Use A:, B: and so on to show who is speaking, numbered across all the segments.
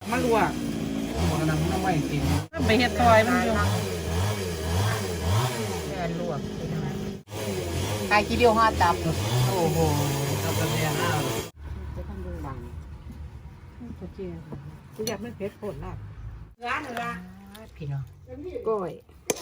A: มาลวก
B: มันน้ำไม่กิน
A: ไปเฮ็ดซอยมันอยู่
C: แม่ลวกไก่กี่เดียวห้าตับโอ้โห
B: กับกระเทียมอ้าว
A: จะทำดูบังโอเคกูอยากไม่เผ็ดโคตรน่ะร้านอะไร
C: พี่น้อง
A: ก้อย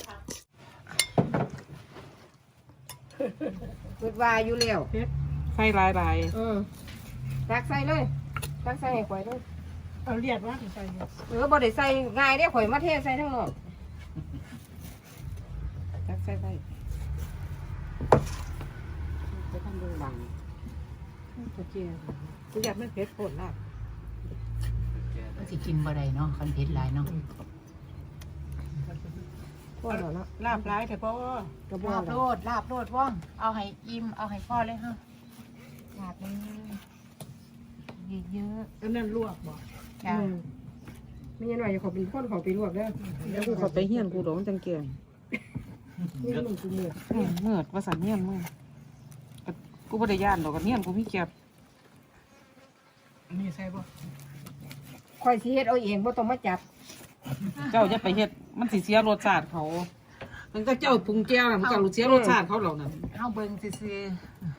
A: เปิดวายอยู่แล้วใส่ลายตักใส่เลยตักใส่ให้ข่อยเลยเอาเลียดว่าใส่บ่ได้ใส่ง่ายเด้ข่อยมาเทใส่ทั้งนอกตักใส่ไปจะทำดูบังโอเคกูอยากไม่เผ็ดโคตรน่ะ
C: มันสิกินบ่ได้เนาะคันเผ็ดหลายเนาะ
A: พ่อเหรอเนาะลาบร้ายแต่พ่อกระบอก
C: ลาบโลดว่องเอาให้อิ่มเอาให้พ่อเลยฮะลาบเลยเยอะ
A: อันนั้นลวกบ่
C: ๆจ้า
A: ไม่ยันหน่อยเขาเป็นคนเขาไปลวกเด้อแล้วกูเขาไปเฮียนกูหลงจังเกียนนี่มึงกูเมื่อว่าสันเฮียนมึงกูบ่ได้ย่านดอกกันเฮียนกูมีเก็บนี่ใช่ป่ะคอยสิเฮ็ดเอาเองบ่ต้องมาจับเจ้าจะไปเฮ็ดมันสิเสียรสชาติเขามันก็เจ้าปรุงแก้วน่ะมันก็เสียรสชาติเขาเหล่านั้น
C: เอาเบิ่งซื่อ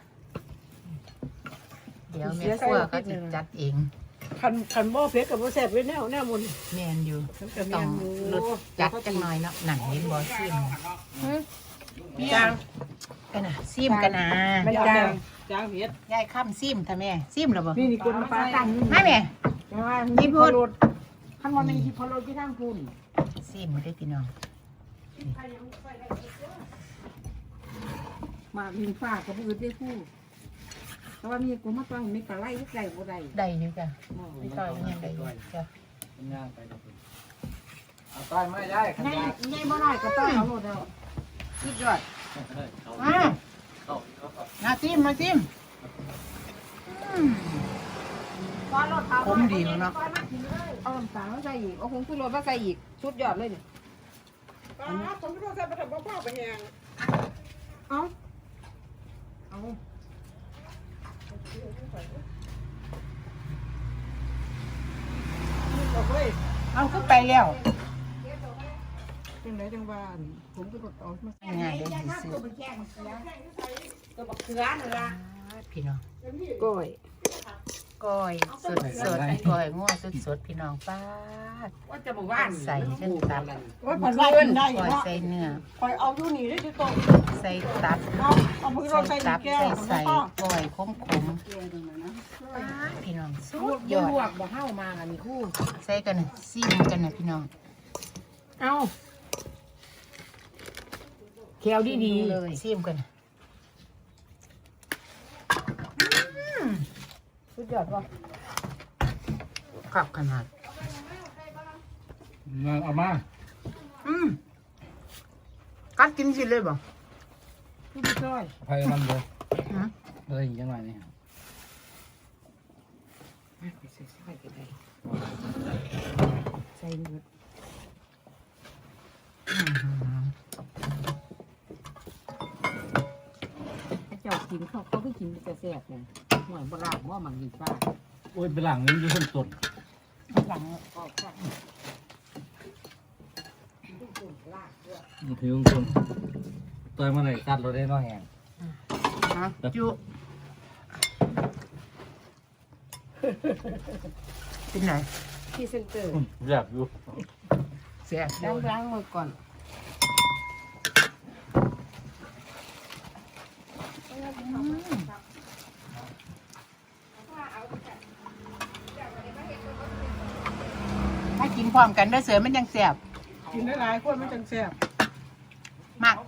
C: ๆเดี๋ยวแม่ครัวก็สิจัดเอง
A: คันบ่เผ็ดกับบ่แซ่บเว้ยแนวมุน
C: แม่นอยู่
A: มันก็
C: ต้
A: แม่
C: อง
A: นอยู่
C: ลดจัดจังหน่อยเนาะหนังเห็นบ่ซิม
A: จาง
C: กันนะซิมกันนะ
A: มันจางจางเผ็ด
C: ยายข้ามซิมท่าแม่ซิมหรอบ่
A: นี่คนปลาตั้งนี่
C: ให้แม่
A: นี่พูดคันว่ามันสิพอรถที่ทางคุณ
C: ซิมมาได้พี่น้อง
A: มาลิงฟ้ากับมือได้คู่แต่ว่ามีกูมาต้องมีปลาไหลไก่บ่ได้
C: ได้อยู่จ้ะไม่ต่อยยังได้อยู่จ้ะ
B: มันย่างไปนะคุณเอาต้อยไม่ได้ขัน
A: ง่าย
B: ยาก
A: ง่ายบ่ได้ก็ต้องเอาหมดแล้วสุดยอด
C: มามาซิมคมดีเนาะ
A: เอาน้ำตาลมาใส่อีกเอาผงชูรสมาใส่อีกสุดยอดเลยนี่
D: ผมไม่รู้จะไปทำกับข้าวไปแหง
A: เอาเอา
C: เอาขึ้นไปแล้ว
A: จังไหนจังบ้านผมก็ต้องเอามา
C: ง่ายเลยซื้อ
A: ตัวบักเขือนั่นล่ะ
C: พี่น้อง
A: ก้อย
C: ก้อยสดก้อยง้อสดพี่น้องป้า
A: ว่าจะบอกว่า
C: ใส่เส้นตับ
D: ว่าผ่อนไล่กินได้อยู่
C: ก้อย
D: เนาะ
C: ใส่เนื้อ
D: คอยเอาอยู่นี่ได้ที่ตรง
C: ใส่ตับ
D: เอาพวกเรา
C: ใส่
D: ใส่
C: ตับ
D: แก้ว
C: ใส่
D: พ่อ
C: ก้อยขมพี่น้องสุดยอ
A: ลว
C: ด
A: กบ่เฮามาอันนี้คู่
C: ใส่กันนะซิมกันนะพี่น้อง
A: เอาแควดีๆเลย
C: ซิมกันนะ
A: สุดยอดว่ะ
C: ขับขนาด
B: เอามา
C: กัดกินสิเลยบ่
A: พี่จ้อย
B: ไฟมันเลยเลยยังไงนี่
A: ใส่ก็ได้ใส่หมดเจ้ากินเขาก็กินแต่แซ่บเลยหน่อยโบราณว่ามันดีกว่า
B: โอ้ยเป็นหลังนี้อยู่ต้นต้น
C: หลัง
A: ก็ใช่
B: ถือต้นต้อยมาเลยกัดเราได้น้อยแหง
C: จุเป็นไหน
A: ที่เซ็นเตอร์
B: อยากอยู่
C: เสีย
A: ล้างมือก่อน
C: ถ้ากินพร้อมกันได้เสือมันยังแสบ
D: กินได้หลายคนมันจังแซ่บ
C: มาก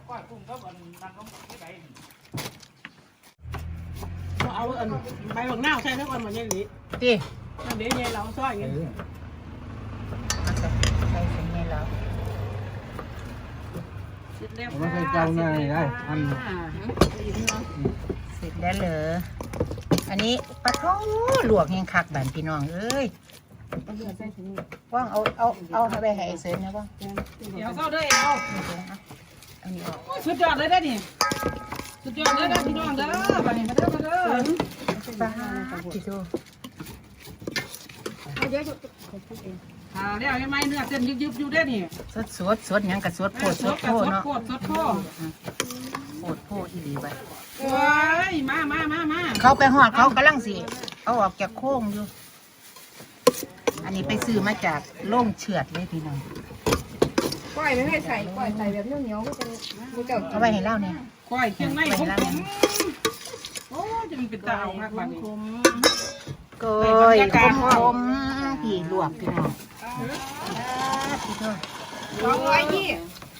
D: เอาอันใบบักหน้าใส่ทั้งวันมันยังหลี
C: ตี
D: นั่นเดี๋ยวเนี่ยเราซ้อยอย่างนี้
C: ใส่เส้นนี้แล้ว
B: ไม่เคยเจ้าง่ายได้อัน
C: เสร็จแล้วเหรออันนี้ปลาทูลวกยังคักแบบพี่น้องเอ้ยว่างเอาไปให้เสือนะว่าง
D: เดี๋ยวเข้าด้วยเอา
C: อันนี้ออก
D: สุดยอดเลยได้นี่สุดยอดเลยได้พี่น้องเด้อบัดนี้มาเด้อมาเด้อ
C: ปลาที่ดู
A: เดี๋ยว
D: แล้วยังไงเนื้อเส้นยุบอยู่ได้นี่
C: สดหยังกับสดโพดสดโพดเนาะ
D: โคตรสดโคตร
C: โพดโพดอีหลีไป
D: โอ้ยมา
C: เขาไปหอดเขากำลังสิเอาออกจากโค้งอยู่ อันนี้ไปซื้อมาจากโล่งเฉือดเลยพี่น้อง
E: ก้อยไม่ให้ใส่ก้อยใส่แบบเหนียวๆก็จะมันจะ
C: เอาไว้ให้เล่าเนี่ย
D: ก้อยเคียงในผมโอ้จะมีเป็นตาเอามากบ้านนี้
C: ก้อยคมๆพี่ลวกพี่น้องพี่น้อง
E: 220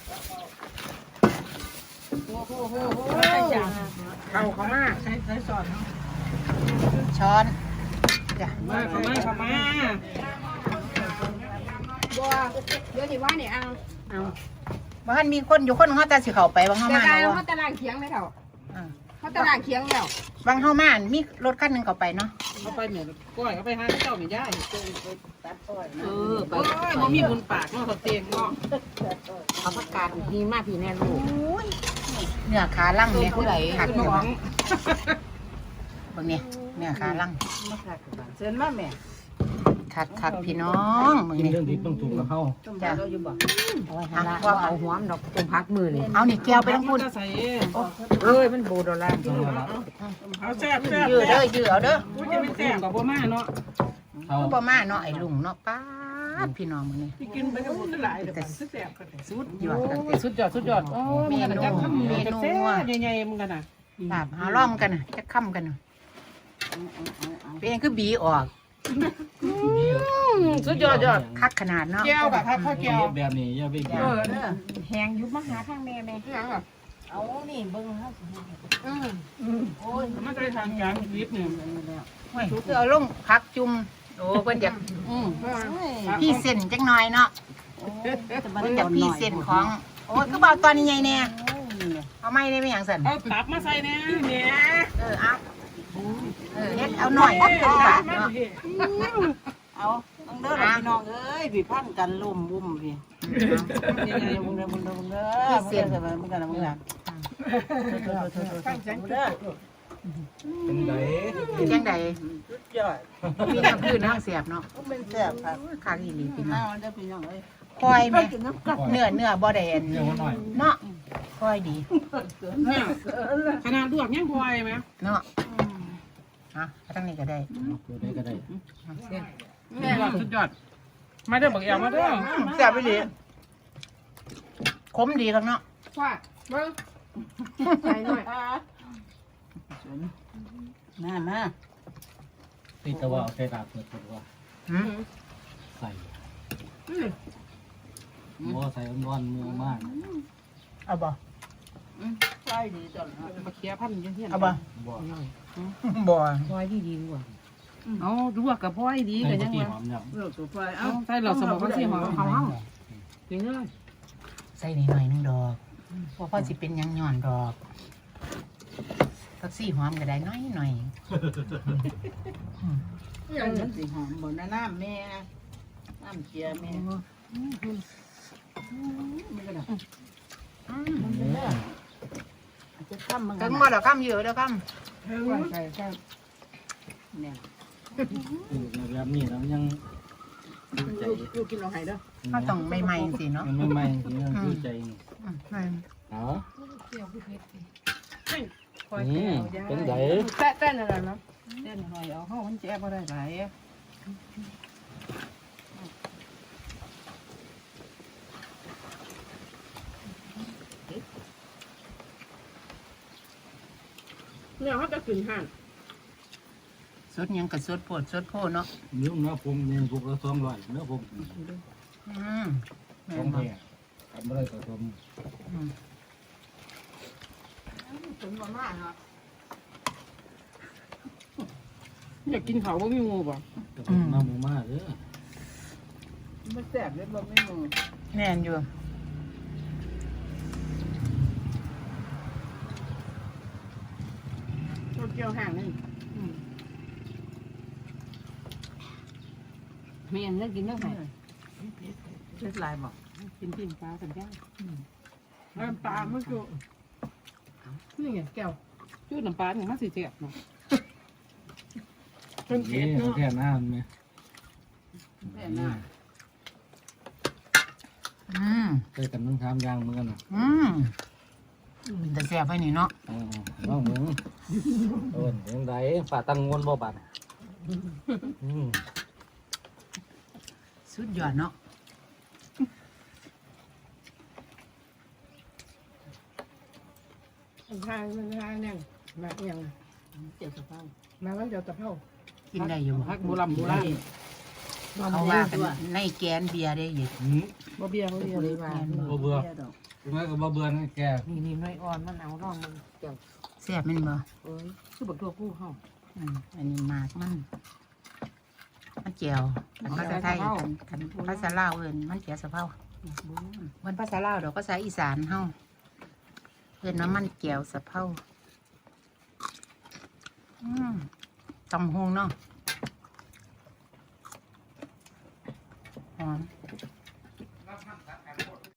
D: เข้ามาใช้สอน
C: ช้อนจ้ะ
D: มาเข้ามา
E: บัวเดี๋ยวนี้ว่าเนี่ยเอา
C: บ้านมีคนอยู่คนเขาแต่สิเขาไปบางเฮา
E: แต่
C: มา
E: การ
C: เนาะ
E: เขาตารางเคียงไหมเถ่า
C: อ่า
E: เขาตารางเคียงแล้ว
C: บางเฮามามีรถคันหนึงเขาไปเนาะ
D: เอาไปเนี่ยก้อยเอาไปหาเจ้าไม่ได้ไปบ่มีบุญปากเนาะเขาเต็มเนาะ
A: เอาผักกาดดีมากพี่แน่ลูก
C: เนื้อขาล่างเนี่ย
A: ผู้ใด
C: ขัด
D: คุณ
C: เนื้
D: น้
C: อ
D: อง
C: บางเนี่ยเนื้อขาล่าง
A: เชิญมาแม่
C: ขัดพี่น้องมึง
B: กิน
C: นี่
B: เรื่องที่ต้องถูกกับเขา
C: จ้ะ
A: เอาไว้ให้ละว่าเอาหัวมันดอกตรงพักมือนี่
C: เอานี่แก้วไปทั้งพูด
D: ใส่
A: เอ้ยมันโบดอลลาร์
D: เอาแซ่บ
C: ยืดเด้อยืดเอาเด้อ
D: กูจะไม่แซ่บกับบ่มาเนาะ
B: เขา
C: บ่มาเนาะไอ้ลุงเนาะป้าดพี่น้องมึงนี่
D: ที่กินไปทั้งหมดหลายเดี๋ยวแซ่บกัน
C: สุดยอดตั้งแต่
D: สุดยอดโอ้เมนูแซ่บใหญ่ๆมึงกันน่ะ
C: ลาบหาล้อมกันน่ะจะค่ำกันน่ะเป็นเองคือบีออก
D: สุดยอด
C: คักขนาดเนาะ
D: แก้วแบบข้าวแก้ว
B: แบบนี้อย่าไปกิน
E: แหงยุบมาหาข้างแม่แม่ที่หลังอ่ะ
D: มันจะได้ทางกลางนิดนึง
C: โอ้ยคือเอาลงพักจุ่มโอ้เพิ่นอยากพี่เส้นจังหน่อยเนาะเพิ่นอยากพี่เส้นของโอ้ยคือเบาตอนนี้ใหญ่แน่เอาไม่ได้ไม่หยังสั่น
D: เอาตับมาใส่เนี่ยเนี่ย
C: เอาเฮ็ดเอาหน่อยบาทเนาะ
A: เอาต้องเด้อพี่น้องเอ้ยพี่พันกันลุ่มบุ่มพี่มึงเด้อพี่เสียนมึงกันมึงกัน
B: เป็นไง
C: จังใด
A: ยอด
C: มีน้ำพื้นน้ำเสียบเนาะ
A: เป็นแซ่บครับ
C: คักอีหลีพี่น้อง
A: เอาเด้อพี่น้องเอ้ย
C: คอยแม่
A: กินน้ำกัด
C: เนื้อบ่ได้อัน
B: เรื่องหน่อย
C: เนาะคอยดี
D: เนี่ยขนาดลวกยังพอยไหม
C: เนาะฮะตั้งนี้ก็ได้
B: ตัวได้ก็ได้
D: สุดยอดมาเด้อบอกแอวมาเด้อ
C: แซ่บไปดีขมดีครับเนาะ
E: ว่าเบิ้งใส่หน่อย
A: มา
B: ตีตะว่าเอาใส่ดาบเปิดตัว
C: หืม
B: ใส่หม้อใส่ร้อนมือมาก
C: เอาบ่
A: ใช่ดีจัง
D: มาเคลียร์พันยังเฮียน
C: เอาบ่
B: บ่
C: บ่
A: พอยดีกว่า
D: เอาลวกกับพอยดี
B: ใส่
D: กัน
B: ตะ
D: ยัง
B: กี้
D: วะ
B: หอมเนี่ย
A: เลือกตัวไฟ
D: เอาใส่เราสมองกันสิหอมเขาจริงเลย
C: ใส่นิดหน่อยนึงดอกเพราะพ่อสิเป็นหยังย่อนดอกตักซี่หอมก็ได้น้อยหน่อย
A: อย่างนั้นสิหอมบนน้ำแม่น้ำเจียแม่ไม่ก็ได้จะทำมัน
C: ถึงบ่ดอกคำเยอะดอกค
E: ใส่ใส่
A: เนี่ย
B: แบบนี้แล้วยังใจ
A: ลูกกินเราหายเด้อ
C: ำเขาต้องใหม่ๆสิเนาะ
B: มันไม่ไหม้ทีนั้นคือใจ เอา เป็นไง
E: แป้นอะไรเนาะ
A: เต้นหน่อยเอาเข้ามันแจ๊บอะไรหลาย
E: เนี่ยเขาจะขึ้นห่าง
C: สดหยังกับสดโพดสดโพดเนาะ
B: นิ้วเนื้อผมเนื้อพวกละ200เนื้อผม
C: แม่
B: ของ
C: นบ่
B: แท้ทำไม่ได้ผสม
E: ถึงมาม่าเนาะ
D: อยากกินเขาบ่มีงูป่ะ
B: น้ำหมูมาเด้อ
A: มันแสบเลยบ่ไม่มือ
C: แม่นอยู่
E: ตัวเกี่ยวห่างนี่
A: เมียนเลิกกินเรื่องไหน
C: เลือดลายบอก
D: กินปิ้งปลากันย่าง
E: น้ำปลาเมื่อกี้นี่ไงแก้ว
D: จุดน้ำปลาเนี่ยมันสิเจ็บเนาะ
E: เป็นเกล็ดเนาะ
B: แค่น้ำเนี่ย
D: แม่น่ะ
B: เคยกันน้ำค้ามยางเหมือนกันนะ
C: เป็นแต่แซ่บไปนี่เนาะ
B: น้องมึงโอ้ยยังไงฝ่าตังงวนบ่บาด
C: สุดยอดเนาะ
E: มันทางนั่งมาอย่าง
D: เจ็บสะเพา
E: มาวันเดียวตะเภา
C: กินได้อยู่
D: พักโบราณโบราณ
C: เขาว่ากันในแกนเบียร์ได้อยู่
E: บ่เบียร์บ่เบียร์เลยว่า
B: บ่เบื่อคุณแม่ก็บ่เบื่อนะแก
A: นี่น้อยอ่อนมันเอาร่องมันเกี่ยว
C: แซ่บแมันบ่
A: เอ้ยคือบักตัวผู้เฮา
C: อันนี้หมากมันเจียวกันภาษาไทยกันภาษาลาวเอิ้นมันเจียวสะเพรามันภาษาลาวดอกภาษาอีสานเฮาเอิ้นว่ามันเจียวสะเพราตำฮงเนาะหอม